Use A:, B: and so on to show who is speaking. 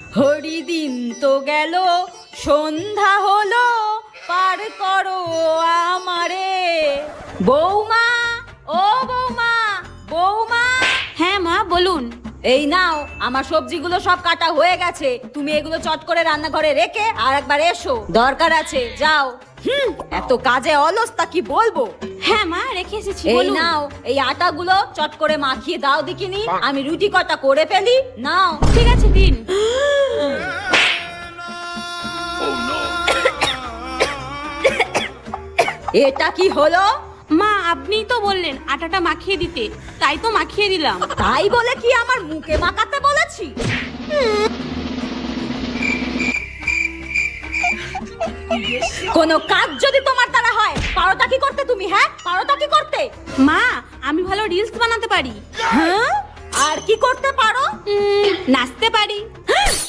A: হরিদিন তো গেল, সন্ধ্যা হলো, পার করো আমারে। বৌমা, ও বৌমা, বৌমা।
B: হ্যাঁ মা বলুন।
A: এই নাও, আমার সবজিগুলো সব কাটা হয়ে গেছে, তুমি এগুলো চট করে রান্নাঘরে রেখে আর একবার এসো, দরকার আছে, যাও। এত কাজে অলসতা কি বলবো।
B: হ্যাঁ মা রেখে এসেছি,
A: এই
B: বলুন।
A: নাও, এই আটাগুলো চট করে মাখিয়ে দাও দেখিনি, আমি রুটি কটা করে ফেলি। নাও।
B: ঠিক আছে দিন।
A: এটা কি হলো?
B: মা আপনিই তো বললেন আটাটা মাখিয়ে দিতে, তাই তো মাখিয়ে দিলাম।
A: তাই বলে কি আমার মুখে মাখাতে বলেছি? কোনো কাজ যদি তোমার দ্বারা হয়, পারোটা কি করতে তুমি? হ্যাঁ, পারোটা কি করতে?
B: মা আমি ভালো রিলস বানাতে পারি।
A: হ্যাঁ, আর কি করতে পারো?
B: নাচতে পারি।